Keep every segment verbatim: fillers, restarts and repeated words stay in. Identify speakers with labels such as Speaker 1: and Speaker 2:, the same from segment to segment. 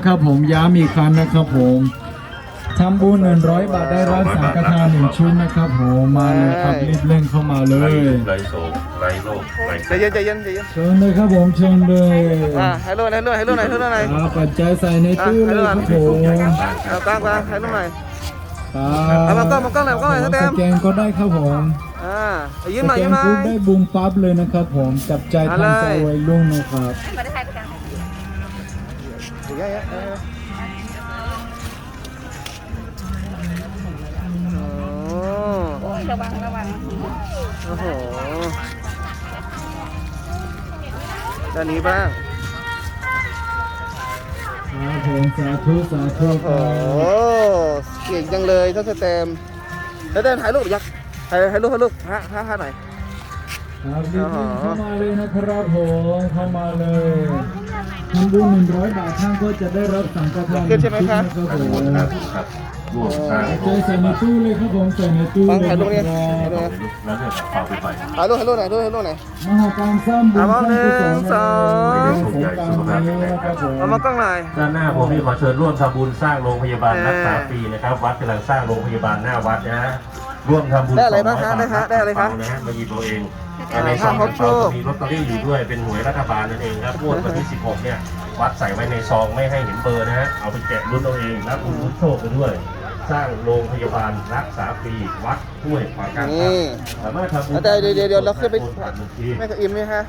Speaker 1: นะครับผมย้ำอีกครั้งนะครับผมทำบุญหนึ่งร้อยบาทได้รับสังฆทานหนึ่งชุดนะครับผมมาเลยครับรีบเร่งเข้ามาเล
Speaker 2: ไร
Speaker 1: ย
Speaker 2: ไรโศกไรโรคไร
Speaker 3: ใจเย็นใจเย็นใจเย็น
Speaker 1: เชิญเลยครับผมเชิญเลย
Speaker 3: อ่าให้ลูกให้ลูกให้ลูกหน่อยให้ลูกหน่อย
Speaker 1: เอาปัจจัยใส่ในตู้เลยครับผม
Speaker 3: เอากลางกลางให้ลูกหน่อย
Speaker 1: ครับ
Speaker 3: เอามากล้องมากล้องหน่อยมากล้องหน่อยสแตม
Speaker 1: สแกนก็ได้ครับผม
Speaker 3: อ่าเอา
Speaker 1: ส
Speaker 3: ยิ้มหน่อย
Speaker 1: แก
Speaker 3: ยิ้
Speaker 1: น
Speaker 3: มหน่อ
Speaker 1: ปุ๊บ
Speaker 3: ย
Speaker 1: ได้บูมปั๊บเลยนะครับผมจับใจทันใจวัยรุ่นนะครับ
Speaker 4: ไม่ได้ถ่ายกัน
Speaker 3: เดี๋ยวเยอะๆโอ้
Speaker 4: โอ้ยระวังระวัง
Speaker 3: โอ้โหด้านนี้บ้าง
Speaker 1: ครับผมสาธุสาธุค
Speaker 3: โอ้
Speaker 1: รับ
Speaker 3: เก่งจังเลยท่านสแตมแล้วเดินถ่ายรูปยักษ์ถ่ายถ่ายรูปถ่ายรูปฮะฮะฮะหน่อย
Speaker 1: ครับรีบๆเข้ามาเลยนะครับผมเข้ามาเลยทำบุญหนึ่งร้อยบาทท่านก็จะได้รับสังฆทานหนึ่งชุดนะครับผม
Speaker 2: ครับครับร่วมสร้าง
Speaker 1: ใจใส่ในตู้เลยครับผมใส่ในตู้
Speaker 3: ฟัง
Speaker 1: เลย
Speaker 3: ถ่ายรูป
Speaker 1: นะ
Speaker 3: เนี่ย
Speaker 1: ครับ
Speaker 3: ถ่ายรูป
Speaker 2: แล้วเนี่ยฝากไปไป
Speaker 3: ถ่ายรูปถ่ายรูปหน่อยถ่ายรูปถ่ายรูปหน่อย
Speaker 1: มหากรรมสร้างบุญ
Speaker 3: เอา
Speaker 1: สร้าง
Speaker 3: หนึ่
Speaker 1: กุศล
Speaker 3: งสอง
Speaker 1: สงกรานต์นี้นะครับผม
Speaker 3: เอามากล้องหน่อย
Speaker 2: ด้านหน้าผมมีขอเชิญร่วมทำบุญสร้างโรงพยาบาลรักษาฟรีนะครับวัดกำลังสร้างโรงพยาบาลหน้าวัดนะฮะร่วมทำบุญ
Speaker 3: ได้อะไรบ้างฮะได้ฮะได้อะไรคะ
Speaker 2: นะฮะมาหยิบตัวเอง
Speaker 3: อ่า
Speaker 2: ในซอง
Speaker 3: ห้า
Speaker 2: ข
Speaker 3: คร
Speaker 2: อบ ง
Speaker 3: โช
Speaker 2: เรา
Speaker 3: ค
Speaker 2: มีลอตเตอรี่อยู่ด้วยเป็นหวยรัฐบาลนั่นเองครับงวดวันที่สิบหกเนี่ยวัดใส่ไว้ในซองไม่ให้เห็นเบอร์นะฮะเอาไปแจกรุ่นเอาเองรับลุ้นโชคไปด้วย สร้างโรงพยาบาลรักษาฟรีวัดห้วยขวางกลางครับ
Speaker 3: นี่
Speaker 2: สามารถทำบุญ
Speaker 3: เอาได้เดี๋ยวเดี๋ยวเดี๋ยวเราขึ้นไป
Speaker 2: ผ่านบัญชี
Speaker 3: แม่กับอิมไหมคะ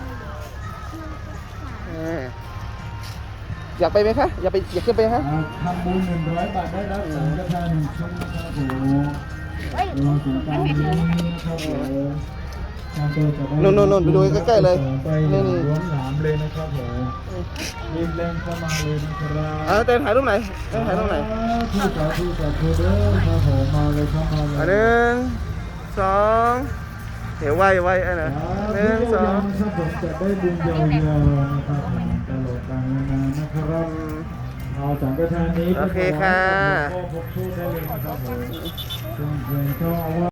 Speaker 3: เอออยากไปไหมคะอยากไปอยากขึ้นไปฮะ
Speaker 1: อ่าทำบุญหนึ่งร้อยบาทได้รับสังฆทานหนึ่งชุดนะครับผมรวมถึงการนี้นะครับผมท่านก็จะได้
Speaker 3: นู่นๆๆไปดูใกล้ๆเลย
Speaker 1: ไป
Speaker 3: นี่
Speaker 1: ล้วนหลามเลยนะครับผมรีบเร่งเข้ามาเลยนะครับ
Speaker 3: เอาเต้นถ่ายรูปไหนเต้นถ่ายรูปไหน
Speaker 1: ที่สาธุสาธุเด้อครับผมมาเลยครับมาเลย
Speaker 3: อันหนึ่งสองเดี๋ยวไวไวไอ้นะหนึ่งสอง
Speaker 1: ครับผมจะได้บุญยาวๆนะครับผมตลอดกาลนานนะครับ
Speaker 3: อืม
Speaker 1: เอาสังฆทานนี้ไป
Speaker 3: โอเคค่ะ
Speaker 1: ขอให้กับหลวงพ่อพบโชคได้เลยนะครับผมซึ่งเพลงก็เอาว่า